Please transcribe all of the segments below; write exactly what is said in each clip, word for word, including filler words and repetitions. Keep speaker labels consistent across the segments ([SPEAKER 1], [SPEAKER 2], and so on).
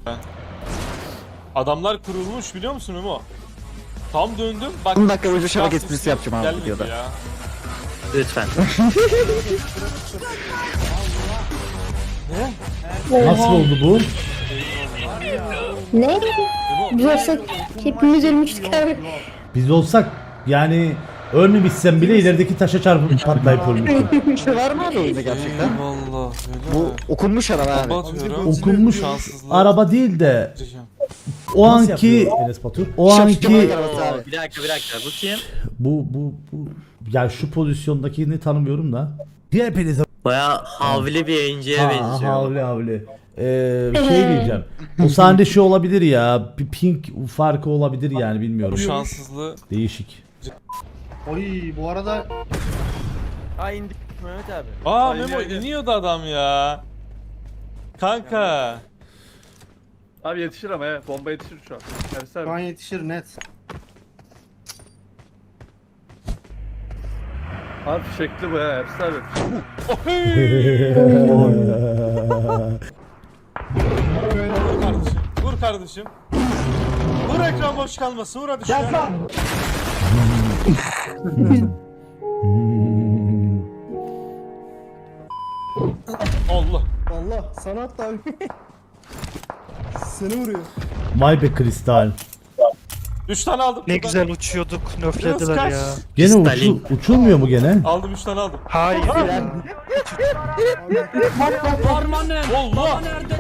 [SPEAKER 1] Adamlar kurulmuş biliyor musun Memo? Tam döndüm. Bak,
[SPEAKER 2] on dakika boyunca şabak
[SPEAKER 1] şans
[SPEAKER 2] esprisi yapacağım abi
[SPEAKER 1] gelmedi
[SPEAKER 2] videoda.
[SPEAKER 1] ya.
[SPEAKER 3] Lütfen.
[SPEAKER 4] Nasıl oldu bu?
[SPEAKER 5] Ne? Biz olsak hepimiz ölmüştük abi.
[SPEAKER 4] Biz olsak yani ölmemişsem bile ilerideki taşa çarpıp patlayıp ölmüştüm.
[SPEAKER 2] Bir şey var mı abi oyunda gerçekten?
[SPEAKER 1] Eyvallah.
[SPEAKER 2] Bu okunmuş araba abi.
[SPEAKER 1] Kapatıyorum.
[SPEAKER 4] Okunmuş
[SPEAKER 1] Şanssızlığı
[SPEAKER 4] araba değil de
[SPEAKER 1] gireceğim.
[SPEAKER 4] o anki o anki
[SPEAKER 2] Arabası abi.
[SPEAKER 3] Bir dakika bir dakika bu kim?
[SPEAKER 4] bu bu bu ya şu pozisyondakini tanımıyorum da. Hepinize
[SPEAKER 3] Baya havli bir yayıncıya
[SPEAKER 4] ha,
[SPEAKER 3] benziyor.
[SPEAKER 4] havli havli. Ee, şey diyeceğim. O sahnede şey olabilir ya. Bir pink farkı olabilir yani bilmiyorum.
[SPEAKER 1] Bu şanssızlığı
[SPEAKER 4] Değişik.
[SPEAKER 6] Oy bu arada
[SPEAKER 7] Ha indik Mehmet abi.
[SPEAKER 1] Aa
[SPEAKER 7] Ay,
[SPEAKER 1] Memo
[SPEAKER 7] ay, ay.
[SPEAKER 1] iniyordu adam ya. Kanka.
[SPEAKER 7] Abi yetişir ama he. Bomba yetişir şu an. Ersin
[SPEAKER 6] şu
[SPEAKER 7] abi.
[SPEAKER 6] an yetişir net.
[SPEAKER 7] Abi fişekli bu ya Ersin abi.
[SPEAKER 1] Vur kardeşim. Vur kardeşim. Vur ekran boş kalmasın. Vur hadi şuraya. Allah.
[SPEAKER 6] Allah sanat abi. Seni vuruyor.
[SPEAKER 4] Vay be kristal.
[SPEAKER 1] üç tane aldım.
[SPEAKER 8] Ne
[SPEAKER 1] Buradan.
[SPEAKER 8] güzel uçuyorduk,
[SPEAKER 1] Biraz
[SPEAKER 8] nöflediler
[SPEAKER 1] kaç.
[SPEAKER 8] ya.
[SPEAKER 4] Gene uçu,
[SPEAKER 3] Stalin.
[SPEAKER 4] uçulmuyor mu gene?
[SPEAKER 1] Aldım üç tane aldım.
[SPEAKER 8] Hayır.
[SPEAKER 1] Allah.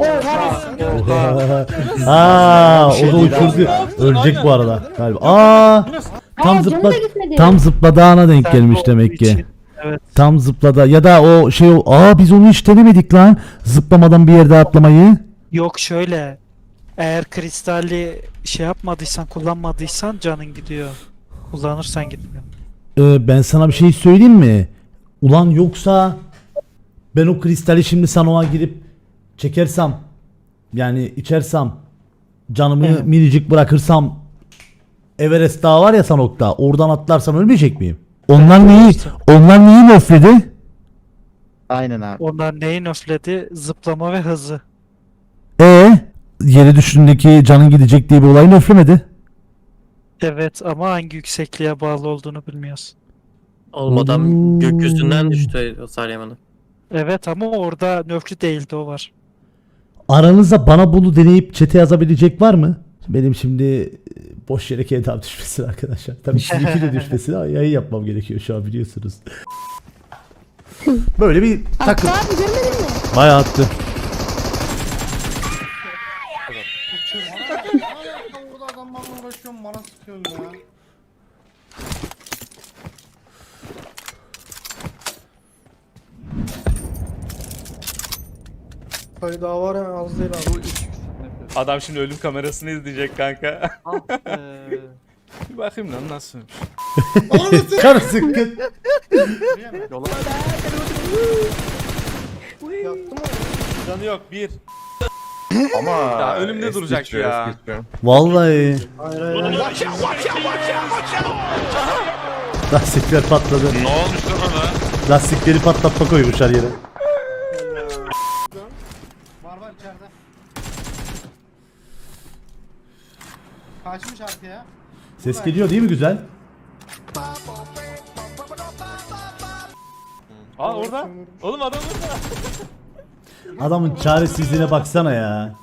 [SPEAKER 4] Aa, o da uçurdu. Ölecek bu arada galiba. Aa, tam
[SPEAKER 5] Aa,
[SPEAKER 4] zıpla
[SPEAKER 5] canım da gitmedi.
[SPEAKER 4] tam zıpladağına denk
[SPEAKER 8] Sen
[SPEAKER 4] gelmiş
[SPEAKER 8] olduğu
[SPEAKER 4] demek ki.
[SPEAKER 8] için, evet.
[SPEAKER 4] Tam zıplada ya da o şey o- aa biz onu hiç denemedik lan. Zıplamadan bir yerde atlamayı.
[SPEAKER 8] Yok şöyle. Eğer kristalli şey yapmadıysan, kullanmadıysan canın gidiyor. Kullanırsan gitmiyor.
[SPEAKER 4] Ee, ben sana bir şey söyleyeyim mi? Ulan yoksa ben o kristali şimdi sanoğa girip çekersem yani içersem canımı
[SPEAKER 8] Evet.
[SPEAKER 4] minicik bırakırsam Everest Dağı var ya Sanok'ta oradan atlarsam ölmeyecek miyim? Onlar neyi onlar neyi nöfledi?
[SPEAKER 2] Aynen abi.
[SPEAKER 8] Onlar neyi nöfledi? Zıplama ve hızı.
[SPEAKER 4] E yere düştüğündeki canın gidecek diye bir olay nöflemedi.
[SPEAKER 8] Evet ama hangi yüksekliğe bağlı olduğunu bilmiyoruz.
[SPEAKER 3] Oğlum adam
[SPEAKER 4] Oo.
[SPEAKER 3] gökyüzünden düştü o Saryaman'ı.
[SPEAKER 8] Evet ama orada nöflü değildi, o var.
[SPEAKER 4] Aranızda bana bunu deneyip çete yazabilecek var mı? Benim şimdi e, boş yere kedam düşmesin arkadaşlar. Tabii sizinki de düşmesin ama yayın yapmam gerekiyor şu an biliyorsunuz. Böyle bir takım.
[SPEAKER 5] Hatta abi görmedin mi?
[SPEAKER 4] Bayağı attı.
[SPEAKER 6] Burada adamlarla uğraşıyorum bana sıkıyorsun ya. Sayı daha var ya az değil abi.
[SPEAKER 1] Adam şimdi ölüm kamerasını izleyecek kanka.
[SPEAKER 7] Ah
[SPEAKER 1] Bir bakayım lan nasılmış.
[SPEAKER 4] Kar sıkkın.
[SPEAKER 6] Yaptım mı?
[SPEAKER 1] Canı yok bir.
[SPEAKER 9] Ama
[SPEAKER 1] Ya önümde
[SPEAKER 9] es
[SPEAKER 1] duracak
[SPEAKER 9] geçiyor,
[SPEAKER 1] ya.
[SPEAKER 9] es geçiyor.
[SPEAKER 4] Vallahi
[SPEAKER 6] Hayır hayır. hayır.
[SPEAKER 4] lastikler patladı.
[SPEAKER 9] Ne olmuş lan ona?
[SPEAKER 4] Lastikleri patlatma koymuşlar yere.
[SPEAKER 6] Var var içeride. Kaçmış arkaya.
[SPEAKER 4] Ses geliyor değil mi güzel?
[SPEAKER 1] Aa orada. Oğlum adam orada.
[SPEAKER 4] Adamın çaresizliğine baksana ya.